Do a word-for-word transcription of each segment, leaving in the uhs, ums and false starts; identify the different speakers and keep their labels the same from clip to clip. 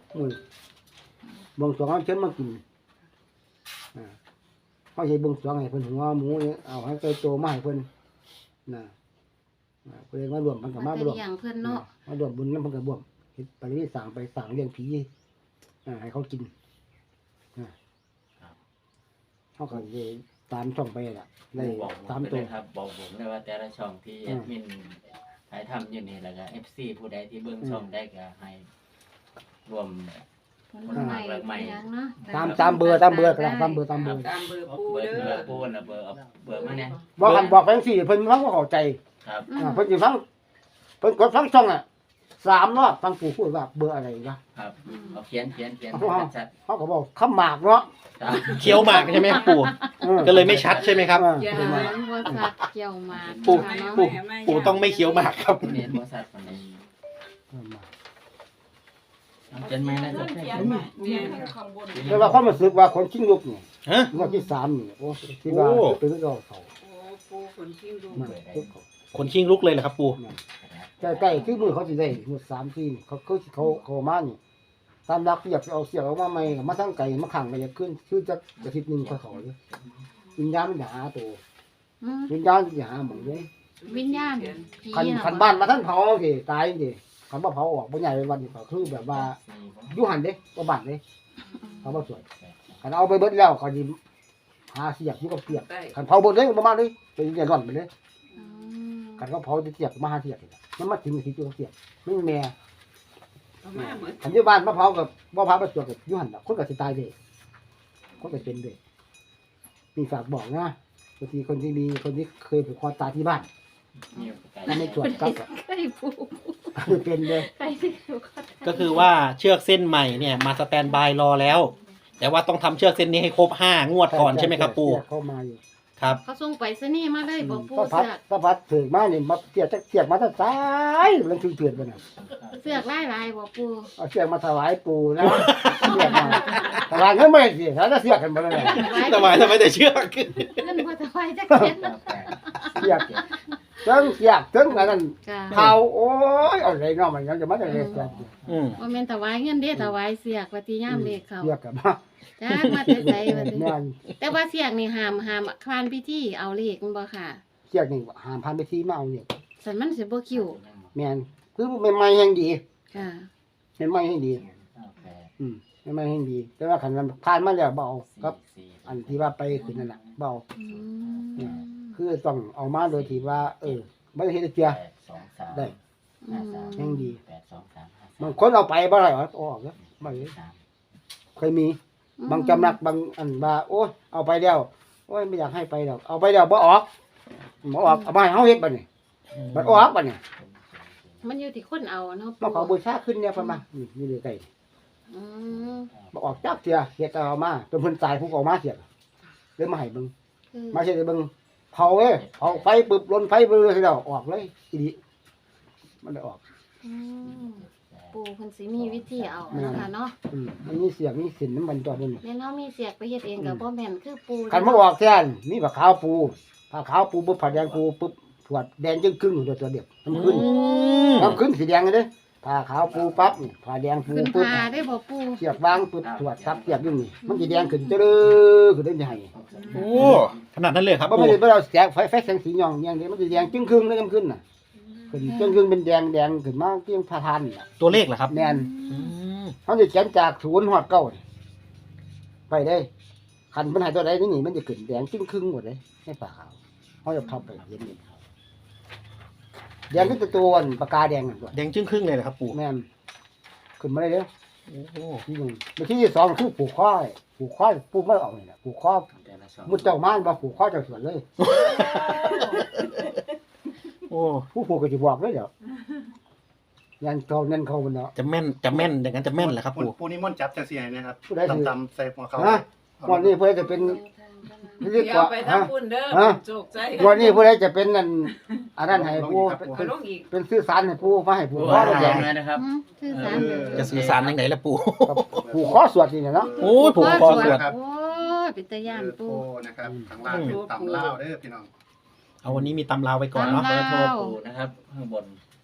Speaker 1: อืมบางสองเอาเชิญมากินอ่าเขาใช้บางสองให้เพิ่นหัวหมูเนี่ยเอาให้ไก่โตมาให้เพิ่นน่ะอ่าเพิ่นมารวมมันก็มา
Speaker 2: มา
Speaker 1: รวม
Speaker 2: เลี้ยงเพิ่นเนาะ
Speaker 1: มารวมบุญนำเพิ่นก็บ่วมเฮ็ดไปนี่สั่งไปสั่งเลี้ยงผีอ่าให้เขากินอ่าเขาก็ได้ตามช่องไปล่ะได้
Speaker 3: บอกผ
Speaker 1: ตาม
Speaker 3: ม
Speaker 1: ตั
Speaker 3: เล
Speaker 1: วย
Speaker 3: ครับบอกผมเลยว่าแต่ละช่องที่แอดมินถ่ายทำอยู่นี่แล้วก็ เอฟ ซี ผู้ใดที่เบิ่งช่องได้ก็ให้รวม
Speaker 2: ผลไม้เป็นหยังเนาะ
Speaker 1: ตามตามเบอร์ตามเบอร์ก็ได้ตามเบอร์ตามเบอร์
Speaker 4: ตามเบอร์
Speaker 3: เอา
Speaker 4: ปู
Speaker 3: เบอร์
Speaker 4: เด้
Speaker 3: เบอ
Speaker 4: อ
Speaker 3: ร์ปูน่ะเบอร์เอาเบอร์มาเนี่ย
Speaker 1: บอกกันบอกไปจังซี่เพิ่นฟังบ่เข้าใจ
Speaker 3: ครับ
Speaker 2: อื
Speaker 1: อ่าม เพิ่นสิฟังเพิ่นกดฟังช่องอ่ะสามรอบฟังผู้พูดว่าเบอร์อะไรนะครับ
Speaker 3: เอาเขียนเขียนเขียนชัด
Speaker 1: เขาก็บอกคำหมากเนาะ
Speaker 3: ๆครับ
Speaker 5: เคี้ยวหมากใช่ไหมครับปู่
Speaker 1: ออ
Speaker 5: ก็เลยไม่ชัดใช่ไหมครับ
Speaker 1: เออ
Speaker 4: อย่า
Speaker 1: เพิ่นว่า
Speaker 2: บ่สัตว์เกี่ยวหมาก
Speaker 5: ปู่
Speaker 2: เนาะ
Speaker 5: ปู่ปู่ต้องไม่เคี้ยวหมากครับ
Speaker 3: เรียนบริษัทคนนี้
Speaker 1: เออมา
Speaker 3: เอาเขียนไหมนะจ๊ะ
Speaker 4: เขียนมาเขียนข้างบน
Speaker 1: แต่ว่าความรู้สึกว่าคนชิงลูกนี่
Speaker 5: ฮะ
Speaker 1: งวดที่สามนี่โอ้ที่ว่า
Speaker 5: โอ้
Speaker 1: เป็นเราเขา
Speaker 4: โอ้ปูคนทิ้งดู
Speaker 1: มันคือเขา
Speaker 5: ขนชิงลุกเลยเหรอครับปู่
Speaker 1: ใกล้ๆที่มือเขาสิได้งวดสามที่นี่เขาเขาเขาเขามานี่ตามรักอยากจะเอาเสียงออกมาใหม่ก็มาทั้งไก่มาขังไปอยากขึ้นคือจะอาทิตย์หนึงเขาเขาเลยวิญญาณมันจะหาตัว
Speaker 2: อืม
Speaker 1: วิญญาณมันจะหาหมองเลย
Speaker 2: วิญญาณผี
Speaker 1: คัน
Speaker 2: น่ะ
Speaker 1: คันบ้านมาท่านเผาสิตายสิคันว่าเผาออกบ่ใหญ่เป็นวันนี่ก็คือแบบว่าอยู่หันเด้บ่บ้านเด้เขาบ่สวยคันเอาไปเบิดแล้วเขาสิหาเสียกอยู่กับเสียก
Speaker 4: ได้
Speaker 1: คันเผาเบิดเลยบ่มาเลยเป็นจะร่อนไปเลย
Speaker 2: อืม
Speaker 1: คันเขาเผาจะเสียกมาหาเสียกนี่ล่ะมันมาถึงสิอยู่กับเสียกมันแม่
Speaker 4: เอามาเหมือน
Speaker 1: คันอยู่บ้านมาเผากับบ่เผาบ่สวยกับอยู่หันน่ะคนก็สิตายเด้คนก็เป็นเด้มีฝากบอกนะบางทีคนที่มีคนที่เคยผูกคอตายที่บ้านถ้าไม่ตรวจก็
Speaker 2: ใครผู้
Speaker 1: เป็นเลย
Speaker 2: ใครที่อยู่ก็
Speaker 5: ก็คือว่าเชือกเส้นใหม่เนี่ยมาสแตนบายรอแล้ว แต่ว่าต้องทำเชือกเส้นนี้ให้ครบห้างวดก่อนใช่ไหมครับปู่
Speaker 1: เข้ามาอยู่
Speaker 5: ครับ
Speaker 2: เขาส่งไปซะนี่มาเลยบ่ปู
Speaker 1: ก็พัด
Speaker 2: เสือก
Speaker 1: ก็พัดถึงมาเนี่ยมาเสียจากเสียกมาตั้งสายมันถึงเถื่อนไปน่ะ
Speaker 2: เสือกหลายๆบ่ปู
Speaker 1: เอาเสียกมาถวายปู่นะเสียกมาถวายเงินไม่ได้สิถ้าจะเสียกกันมาเลย
Speaker 5: ทำไมทำไมแต่เชือก
Speaker 2: เงินบ่ถวายจักเม็ด
Speaker 1: เสียกเจังเสียกเจังอันนั้น
Speaker 2: จ้ะ
Speaker 1: เขาโอ้ยเอาอะไรเนาะมันยังจะมาจากไหนเสียก
Speaker 5: อืม
Speaker 2: บ่แม่นถวายเงินเด้ถวายเสือกว่าที่ยามเลขเขา
Speaker 1: เสียกกันมา
Speaker 2: จ้ามาแต่ไสว่าติ
Speaker 1: แม่น
Speaker 2: แต่ว่าเสือกนี่ห้ามห้ามคานพิธีเอาเลขมันบ่ค่ะ
Speaker 1: เสียกนี่หามพันไปที่มาเอาเนี่ย
Speaker 2: สันมันสิบ่คิว
Speaker 1: แม่นคือใหม่ๆแห่งดี
Speaker 2: ค่ะ
Speaker 1: ใหม่ๆแห่งดีอืมใหม่ๆแห่งดี แต่ว่าคันมันผ่านมาแล้วเบเอาครับ อันที่ว่าไปขึ้นนั่นน่ะเบเอา
Speaker 2: อืม
Speaker 1: คือต้องเอามาโดยที่ว่า เออไม่ได้เฮ็ดให้เจีย ได้
Speaker 2: อืม
Speaker 1: แห่งดี บางคนเอาไปบ่ได้หรอออกแล้วบ่ได้เคยมี บางจำนักบางอันว่าโอ้ยเอาไปแล้วโอ้ยไม่อยากให้ไปดอกเอาไปแล้วบ่ออกบ่ออกเอามาให้เฮาเฮ็ดบัดนี้บัดออกบัดนี้
Speaker 2: มันอยู่ที่คนเอาเนาะ
Speaker 1: มาขอบูชาขึ้นเนี่ยเพิ่นมานี่นี่เลยไกล
Speaker 2: อืม
Speaker 1: บ่ออกจักเที่ยเฮ็ดเอามาจนเพิ่นตายผู้ก็เอามาเสียเลยมาให้เบิ่ง
Speaker 2: คือ
Speaker 1: มาเฮ็ดให้เบิ่งเผาเอ้ยเผาไฟปึบลนไฟเบิ่งแล้วออกเลยอีหลีมันได้ออก
Speaker 2: อืมปู่เพิ่นสิมีวิธีเอาเนาะค่ะเนาะ
Speaker 1: อืมมันมีเสียงมีสินน้ำมันตัวนึง
Speaker 2: แม่นเฮามีเสียกไปเฮ็ดเองก็บ่แม่นคือปู่
Speaker 1: คันมาออกแทนมีผ้าขาวปูผ้าขาวปูปุ๊บผ้าแดงปูปุ๊บถวดแดงจึงครึ่งอยู่ตัวเดียวน้ำขึ้น
Speaker 5: อืม
Speaker 1: น้ำขึ้นสีแดงเลยเด้ผ้าขาวปูปั๊บนี่ผ้าแดงปู
Speaker 2: ขึ้น
Speaker 1: ปุ๊บ
Speaker 2: พาได้บ่ปู่
Speaker 1: เสียบวางปุ๊บถวดทับเสียบอยู่นี่มันสีแดงขึ้นเจริญขึ้นได้ยังไง
Speaker 5: โอ้ขนาดนั้นเลยครับ
Speaker 1: บ่
Speaker 5: ปู่
Speaker 1: ไม่ได้เราแสงไฟไฟแสงสีหย่องอย่างเดียวมันสีแดงจึงครึ่งเลยน้ำขึ้นน่ะขึ้นจึงครึ่งเป็นแดงแดงขึ้นมาเกี่ยงพาทานน่ะ
Speaker 5: ตัวเลขเหรอครับ
Speaker 1: แม่น
Speaker 5: อืม
Speaker 1: เขาจะเขียนจากศูนย์หอดเก้านี่ไปได้คันมันใหายตัวใดนี่นี่มันจะขึ้นแดงจึงครึ่งหมดเลยให้ผ้าขาวเขาจะทับไปเห็นนี่แดงก็จะตัวอันปากกาแดงนั่นตัว
Speaker 5: แดงจึ้งครึ่งเลยเหรอครับปู่
Speaker 1: แม่นขึ้นมาได้เด้อ
Speaker 5: โอ้โห
Speaker 1: ที่หนึ่งในที่ที่สองคือผูกข้อผูกข้อผูกไม่ออกเลยนะผูกข้อมุดเจ้าม่านมาผูกข้อเจ้าสวนเลย
Speaker 5: โอ้
Speaker 1: ผู้ผูกก็จะบอกเลยเดี๋ยวยันเขาเน้นเขาบนเนาะ
Speaker 5: จะแม่นจะแม่นอย่างนั้นจะแม่นเหรอครับ
Speaker 6: ปู
Speaker 5: ปู่
Speaker 6: ปูนี่ม่อนจับจังซี่ให้นะครับ
Speaker 1: ผู้ใดถือ
Speaker 6: ตำๆใส่หัวเขา
Speaker 1: ฮะวันนี้เพื่อจะเป็นเรียก
Speaker 4: เดี๋ยว
Speaker 1: ว่า
Speaker 4: ไป
Speaker 1: ฮะ
Speaker 4: ทำบุญเด้อ
Speaker 1: ฮะ
Speaker 4: โจกใจ
Speaker 1: วันนี้เพื่อจะเป็นนั่นอันนั้นให้ผู้
Speaker 4: เอา
Speaker 1: เป็น
Speaker 4: ลงอีก
Speaker 1: เป็นซื้อสารให้ผู้มาให้ผู้
Speaker 3: ปู
Speaker 1: ข้อ
Speaker 3: แด
Speaker 1: แด
Speaker 3: ง
Speaker 1: ง
Speaker 3: เลยนะครับ
Speaker 2: อืมคือสารเด้อ
Speaker 5: จะสื่อสารยังไงล่ะปู่
Speaker 1: กับผูกข้อสวดนี่เนาะ
Speaker 5: โอ้ยผูกคอสวด
Speaker 2: โอ้ยเป็นตาย่าน
Speaker 6: คือโท
Speaker 2: ปู่
Speaker 6: นะครับข้างล่างเป็นตำลาวเด้อพี่น้อง
Speaker 5: เอาวันนี้มีตำราวไปก่อนเนาะ
Speaker 2: ตำ
Speaker 3: เบ
Speaker 2: รา
Speaker 3: อร์โทรปูนะครับข้างบน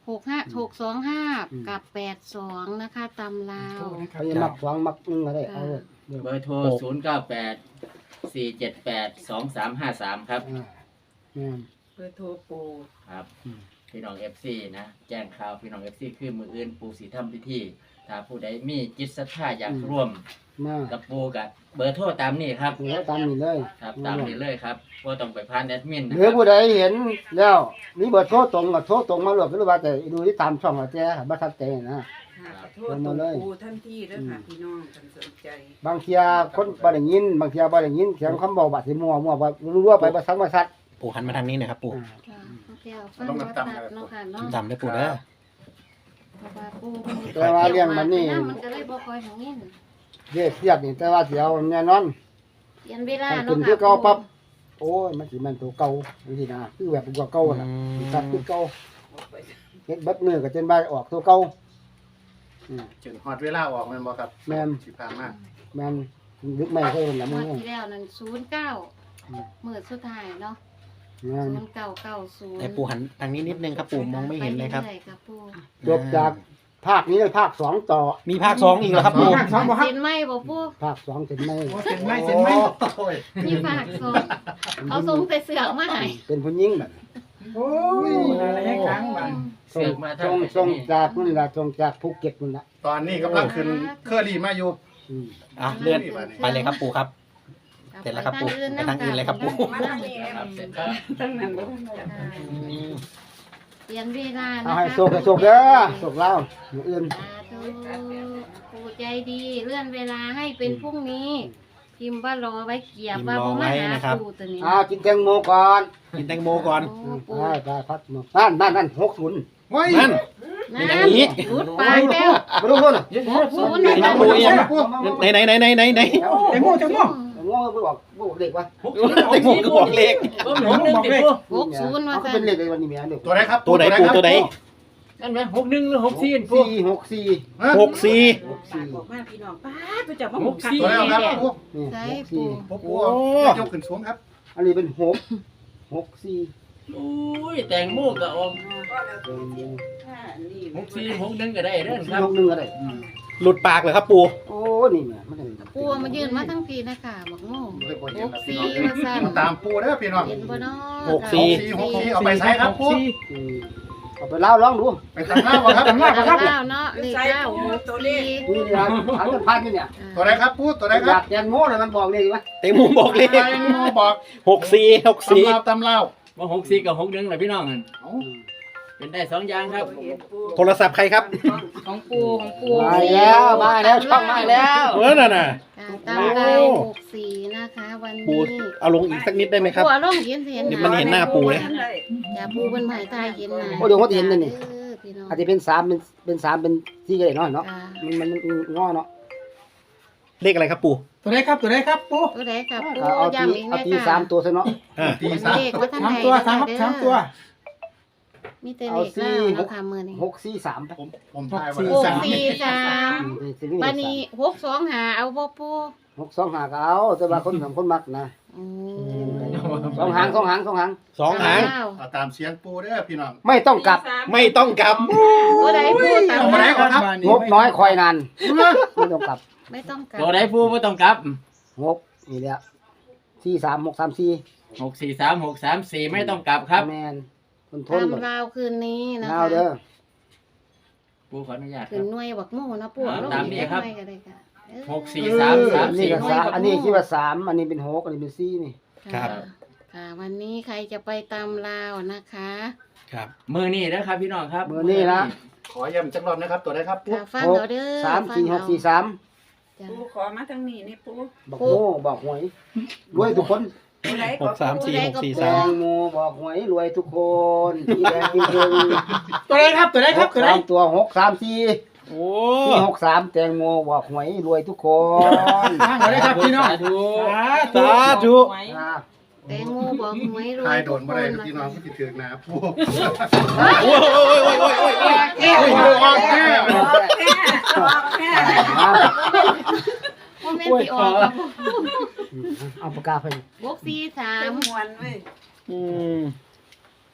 Speaker 2: หกห้าหกสองห้า
Speaker 1: อืม
Speaker 2: กับแปดสองนะคะตำลาว
Speaker 1: เขาจะมักสองมักหนึ่งก็ได้เอาเลยเดี๋ยว
Speaker 3: เบอร์โทรศูนย์เก้าแปดสี่เจ็ดแปดสองสามห้าสามครับ
Speaker 1: อ่าแม่น
Speaker 4: เบอร์โทรปู
Speaker 3: ครับ
Speaker 1: อืม
Speaker 3: พี่น้องเอฟซีนะแจ้งข่าวพี่น้องเอฟซีคือมืออื่นปูสีทำพิธีถ้าผู้ใดมีจิตศรัทธาอยากร่วม
Speaker 1: มา
Speaker 3: กับปูกับเบอร์โทรตามนี้ครับ
Speaker 1: เดี๋ยวตามนี้เลย
Speaker 3: ครับตามนี้เลยครับว่าต้องไปผ่านแอดมินนะ
Speaker 1: ห
Speaker 3: ค
Speaker 1: รือ
Speaker 3: รับ
Speaker 1: ผู้ใดเห็นแล้วมีเบอร์โทรตรงก็โทรตรงมาหลบหรือว่าแต่ดูที่ตามช่องอาแจบ่ทันใจนะ
Speaker 4: ค่ะขอโทษตัวปูท่านที่เด้อค่ะพี่น้องท่านสนใจ
Speaker 1: บางเทียคนบ่ได้ยิน บางเทียบ่ได้ยินเสียงคำเว้าบัดสิมั่วมั่วบ่รู้ว่าไปบ่ซักบ่ซัด
Speaker 5: ปู่หันมาทางนี้หนะครับปู่
Speaker 1: อ่า
Speaker 2: ค่ะโอเคเอาฟังวัดตัดเนาะค่ะเนาะ
Speaker 5: ตามได้ปู่เด้อ
Speaker 2: เพราะว่าปูมัน
Speaker 1: แต่ว่าเรื่องมันนี่
Speaker 2: มันก็เลยบ่ค่อยของนี่
Speaker 1: เรียกเครียดนี่แต่ว่าสิเอาแน่นอน
Speaker 2: เปลี่ยนเวลา
Speaker 1: มัน
Speaker 2: เนาะ
Speaker 1: ขึ้น
Speaker 2: ค่ะ
Speaker 1: คือเก่าปั๊บ โอ้ยมันสิมันตัวเก่าจังซี่นะคือแบบกว่าเก่าน่ะตัดคือเก่าเฮ็ดเบัดมือก็จนบ่าออกตัวเก่าอืม
Speaker 6: จึงฮอดเวลาออกแม่นบ่ครับ
Speaker 1: แม่น
Speaker 6: สิผ่านมา
Speaker 1: แม่นลึกไม่เคยเห็นละ
Speaker 2: ง
Speaker 1: มึ
Speaker 2: ว
Speaker 1: ง
Speaker 2: ด
Speaker 1: เนี่ย
Speaker 2: ที่แล้วนั่นศูนย์เก้า
Speaker 1: อืม
Speaker 2: มื้อสุดท้ายเนาะ
Speaker 1: แม่น
Speaker 2: ศูนย์เก้าเก้าศูนย์
Speaker 5: ให้ปู่หันทางนี้นิดนึงครับปู่มองไม่เห็นเลยครับ
Speaker 2: ไปรื่อๆครับปู
Speaker 1: จบจากภาคนี้เลยภาคสองต่อ
Speaker 5: มีภาคสองอีกแล้วครับปู่
Speaker 2: เซ็นไหมบ่ปู
Speaker 1: ภาคสองเสร็จไหม
Speaker 6: เซ็นไหมเซ็นไหมโอ้ย
Speaker 2: มีฝากสองเอาส่งใส่เสือกมาให้
Speaker 1: เป็นผู้หญิงแบบ
Speaker 7: โอ้ยอะไรให้ครั้งบ้าง
Speaker 3: เสือกมา
Speaker 1: ส่
Speaker 3: ทาง
Speaker 1: ง
Speaker 3: ไป
Speaker 1: ส่ง
Speaker 3: นี่
Speaker 1: จากนู่นล่ะส่งจากภูเก็ตนู่นล่ะ
Speaker 6: ตอนนี้กำลังขึ้นเคอรี่มาอยู่
Speaker 1: อืม
Speaker 5: อ่ะเลื่อนไปเลยครับปู่ครับ เสร็จแล้วครับปู่ไปทางอื่นเลยครับปู่
Speaker 4: มาทางนี้
Speaker 3: ครับเสร็จครับ
Speaker 4: ทั้งนั้นบ่ทันได้
Speaker 5: อืม
Speaker 2: เปลี่ยนเวลานะคะ
Speaker 1: เอาให้โชคให้โชคเด้อโชคเล่าอย่างอื่น
Speaker 2: สาธุปู่ใจดีเลื่อนเวลาให้เป็นพรุ่งนี้ พิมพ์ว่ารอไว้เกียบว่าบ่มาหาปู่ตัวนี้
Speaker 1: อ่ากินแตงโมก่อน
Speaker 5: กินแตงโมก่อน
Speaker 2: โอ้ปู่
Speaker 1: ได้ได้พัดมานั่นนั่นนั่นหกศูนย์
Speaker 6: โอ้ย
Speaker 5: นั่น
Speaker 2: นั่
Speaker 5: อย่างนี้
Speaker 2: รุดปากแล้ว
Speaker 1: มาดูคนน่ะ
Speaker 2: หกศูนย์
Speaker 5: ไหน
Speaker 2: นะ
Speaker 5: นะปู่ยังไหนไหนไหนไหนไหนไหน
Speaker 7: แตงโมแตงโม
Speaker 1: แตงโมไม่บอกบอกเด็กวะ
Speaker 5: แตงโมก็บอกเลข
Speaker 3: ก็หนึ่งหนึ่งติดปู
Speaker 2: หกศูนย์มา
Speaker 1: เขาก็
Speaker 2: ซะ
Speaker 1: เป็นเลขในวันนี้แม่เด็ก
Speaker 6: ตัวไหนครับ
Speaker 5: ตัวไหนปู่ตัวไหน
Speaker 3: นั่นไหมหกหนึ่งหรือหกสี่ปู
Speaker 1: สี่หกสี่
Speaker 6: ฮะ
Speaker 5: หกสี่
Speaker 1: หกสี่
Speaker 4: บอกมาพี่น้องป้าไปจับมาห
Speaker 3: ห
Speaker 4: ก
Speaker 3: ก
Speaker 4: คัน
Speaker 3: สี่
Speaker 6: ตัวไหนครับปู
Speaker 1: นี่
Speaker 2: ใช่
Speaker 1: หกสี่
Speaker 2: ปู่
Speaker 6: ปูปูยกขึ้นสูงครับ
Speaker 1: อันนี้เป็นหกหกสี่
Speaker 3: อุ้ยแตงโมก็ออก
Speaker 1: แตงโม
Speaker 4: นี่
Speaker 3: หกสี่หกหนึ่งก็ได้เด้อครับ
Speaker 1: หกหนึ่งอะไร
Speaker 5: หลุดปากเลยครับปู่
Speaker 1: โอ้นี่แม่มันเป็น
Speaker 2: ปู่มายืนมาทั้งปีนะคะบอกโง่
Speaker 6: เลยบ่
Speaker 2: ห
Speaker 6: เห็น
Speaker 2: ก
Speaker 6: ครับพี่
Speaker 2: สี่
Speaker 6: น้อง
Speaker 2: มาสั่น
Speaker 6: ตามปูเด้อพี่น้อง
Speaker 2: เห็นบ่เนาะ
Speaker 5: หกสี่
Speaker 6: หกสี่เอาไปใช้ครับปู
Speaker 1: อืมเอาไปเล่าร้องดู
Speaker 6: ไปตามหน้าบ่ครับ
Speaker 7: จำหน้า
Speaker 2: เก้า
Speaker 7: ครับ
Speaker 2: เก้าเนาะเลขเก้าหกสี่
Speaker 1: นี่นะถามกันพันนี่เนี่ย
Speaker 6: ตัวไหนครับปูตัวไหน
Speaker 1: อ
Speaker 6: ครั
Speaker 1: ยา
Speaker 6: บ
Speaker 1: กแตงโมเลยมันบอกเลยว่า
Speaker 5: แตงโมบอกเลข
Speaker 6: แตงโมบอก
Speaker 5: หกสี่หก
Speaker 6: ตำ
Speaker 5: สี่
Speaker 6: ลาวตำลาว
Speaker 3: ว่าหกสี่กับหกหนึ่งแหละพี่น้องนั่น
Speaker 6: เอ้า
Speaker 3: เป็นได้สองอย่างครับ
Speaker 5: โทรศัพท์ใครครับ
Speaker 2: ของปูของปู
Speaker 1: มาแล้วมาแล้วช่องมาแล้ว
Speaker 5: เออน่ะน่ะ
Speaker 2: ตามดาวหกสี่นะคะ วัน
Speaker 5: ปู่
Speaker 2: นี้
Speaker 5: เอาลงอีกสักนิดได้ไหมครับ
Speaker 2: ปูเอาลงเห็นเห็น
Speaker 5: เดี๋ยวมันเห็นหน้าปู่เลย
Speaker 2: อย่าปูเป็นหมายตายเห็นนะ
Speaker 1: โอ้เดี๋ยวเขาจะเห็นเลยนี่
Speaker 2: เออพี่น้อง
Speaker 1: อาจจะเป็นสามเป็นเป็นสามเป็นสี่ก็ได้เนาะเนาะ
Speaker 2: อ่า
Speaker 1: มันมันมันงอเนาะ
Speaker 5: เลขอะไรครับปู่
Speaker 7: ตัวไหนครับตัวไหนครับปู
Speaker 2: ตัวใดกับปู
Speaker 1: เอาเอาตี
Speaker 2: ย้ำอีก
Speaker 1: เอา
Speaker 2: นะ
Speaker 1: ตี
Speaker 2: คะ
Speaker 1: สามตัวซะเนาะ
Speaker 5: อ่า
Speaker 6: ตีสาม
Speaker 2: เลขว่าท่าน
Speaker 7: สาม
Speaker 2: ใด
Speaker 7: ตัว
Speaker 2: นะ
Speaker 7: สาม
Speaker 2: คะ
Speaker 7: ครับ
Speaker 2: เด้อ
Speaker 7: สามตัว
Speaker 2: มีแต่เลขเล่าเนาะค่ะมือนี้
Speaker 1: หกสี่สามไป
Speaker 6: ผมผมทาย
Speaker 7: หกสี่
Speaker 6: ว่า
Speaker 2: หกสี่สาม
Speaker 1: อืมเป็นสี่
Speaker 2: บันนี้หกสองหาเอาบ่ปู
Speaker 1: หกสองหาก็เอาแต่ว่าคนสองคนมักนะ
Speaker 2: อืม
Speaker 1: สองหางสองหางสองหาง
Speaker 5: สองหาง
Speaker 2: เก้
Speaker 6: เอาตามเสียงปูเด้อพี่น้อง
Speaker 1: ไม่ต้องกลับ
Speaker 5: ไม่ต้องกลับ
Speaker 2: ตัวใดปูตาม
Speaker 6: เอามาไหนก่อนครับ
Speaker 1: งบน้อยคอยนานไม่ต้องกลับ
Speaker 2: ไม่ต้องกลับ
Speaker 3: ตัวใดปูไม่ต้องกลับ
Speaker 1: งบนี่แหละสี่สามหกสามสี่
Speaker 3: หกสี่สามหกสามสี่ไม่ต้องกลับครับ
Speaker 1: แมนคนทน
Speaker 2: ตาม
Speaker 1: แบบ
Speaker 2: ราวคืนนี้นะ
Speaker 1: เอา
Speaker 2: คะ
Speaker 1: เด้อ
Speaker 3: ปูขออนุญาตค
Speaker 2: คื
Speaker 3: รั
Speaker 2: น
Speaker 3: บ
Speaker 2: หน่วยบักโม่นะปู
Speaker 3: อ่า
Speaker 2: ลง
Speaker 3: ตาม
Speaker 2: อีก
Speaker 3: นี้
Speaker 2: เล็ก
Speaker 3: ครับ
Speaker 2: น้อยก็ได้ค่ะเออ
Speaker 3: หกสี่สามสาม
Speaker 1: อันนี้
Speaker 3: สี่
Speaker 1: ก็
Speaker 3: หน่ว
Speaker 1: สาย ม
Speaker 3: ครับ
Speaker 1: อันนี้คิดว่าสามอันนี้เป็นหกอันนี้เป็นสี่นี่
Speaker 5: ครับ
Speaker 2: ะค่ะ วันนี้ใครจะไปตามราวนะคะ
Speaker 5: ครับ
Speaker 3: มือนี่นะครับพี่น้องครับ
Speaker 1: เบอร์นี้นะ
Speaker 6: ขอย้ำจักรอบนะครับตัวไหนครับปู
Speaker 2: ค่ะฟัง
Speaker 1: หก
Speaker 2: เอาเด้อ
Speaker 1: สามสี่หกสี่สาม
Speaker 2: จ้ะ
Speaker 4: ปูขอมาทางนี้นี่ปู
Speaker 1: บอกโม่บอกหวยรวยทุกคน
Speaker 4: ตัวไหน
Speaker 5: หกสามสี่หกสี่
Speaker 1: แต
Speaker 5: สาม
Speaker 1: งโมบอกหวยรวยทุกคนที่แดงจริง
Speaker 7: ตัวไหนครับตัวไหน
Speaker 1: ๆ
Speaker 7: ค
Speaker 1: ห
Speaker 7: รับ
Speaker 1: ก
Speaker 7: ตัวไหน
Speaker 1: สามตัวหกสามสี่
Speaker 5: โอ้
Speaker 1: ที่หกสามแตงโมบอกหวยรวยทุกคน
Speaker 7: ทางตัวไหนครับพี่น้อง
Speaker 3: สาธุ
Speaker 5: สาธุ
Speaker 1: อ่า
Speaker 2: แตงโมบอกหวยรว
Speaker 6: ทาย
Speaker 2: ย
Speaker 6: โด
Speaker 2: ทุก
Speaker 6: น
Speaker 2: ค
Speaker 6: บ่ได้
Speaker 2: น
Speaker 6: พี่น้องที่ถือหนาปู
Speaker 5: โอ้ยโอ้ยโอ้ยโอ้ยโอ้ยโอ้ย
Speaker 6: โอ้ยออกแน่
Speaker 4: แค่บอกแค่
Speaker 1: อ่า
Speaker 2: ว่าแม่นสิออกกับ
Speaker 1: เอาปากกาไป
Speaker 2: หกสี่สา
Speaker 4: เต็
Speaker 2: ม
Speaker 4: มมวนเว้ย
Speaker 5: อืม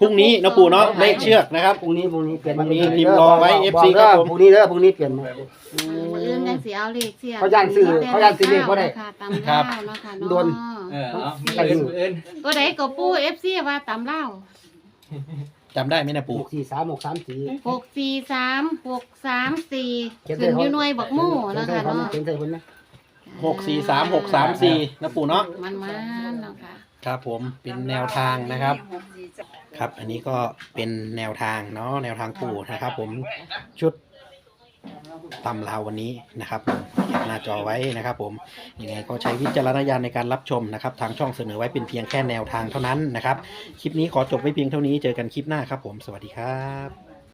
Speaker 5: พรุ่งนี้นะปู่เนาะเลขเชือกนะครับ
Speaker 1: พรุ่งนี้พรุ่งนี้เปลี่ยน
Speaker 5: พรุ่งนี้พิมพ์รอไว้ เอฟ ซี
Speaker 1: บอก
Speaker 5: ครับ
Speaker 1: เด้อ
Speaker 5: ผม
Speaker 1: พรุ่งนี้เด้อพรุ่งนี้เปลี่ยนมา
Speaker 2: อืมมื้ออื่นจังสิเอาเลขเสีย
Speaker 1: เขาย่านซื้อเขาย่านซื้อเลขบ่ได้
Speaker 2: ค่ะตำเล่าวเนาะค่ะ
Speaker 1: โดน
Speaker 2: เนาะ
Speaker 3: เออเอามืออื่นมืออื่น
Speaker 2: ตัวใดก็ปู เอฟ ซี ว่าตำเล่าว
Speaker 5: จำได้ไหมนะ
Speaker 1: ห
Speaker 5: ปู่
Speaker 1: กสี่สามหกสามสี่
Speaker 2: หกสี่สามหกสามสี่
Speaker 1: เขียน
Speaker 2: ขึ้น
Speaker 1: ใส่
Speaker 2: อยู่หน่วยบักหมู่เนาะค่ะเนาะ
Speaker 1: เขียนใส่คนนะ
Speaker 5: หกสี่สามหกสามสี่นะปู่เนาะ
Speaker 2: มันมันๆเนาะค่ะ
Speaker 5: ครับผมเป็นแนวทางนะครับ ครับ อันนี้ก็เป็นแนวทางเนาะแนวทางปู่นะครับ ผมชุดตำลาววันนี้นะครับผมเก็บหน้าจอไว้นะครับ ผมยังไงก็ใช้วิจารณญาณในการรับชมนะครับ ทางช่องเสนอไว้เป็นเพียงแค่แนวทางเท่านั้นนะครับ คลิปนี้ขอจบไว้เพียงเท่านี้เจอกันคลิปหน้าครับผมสวัสดีครับ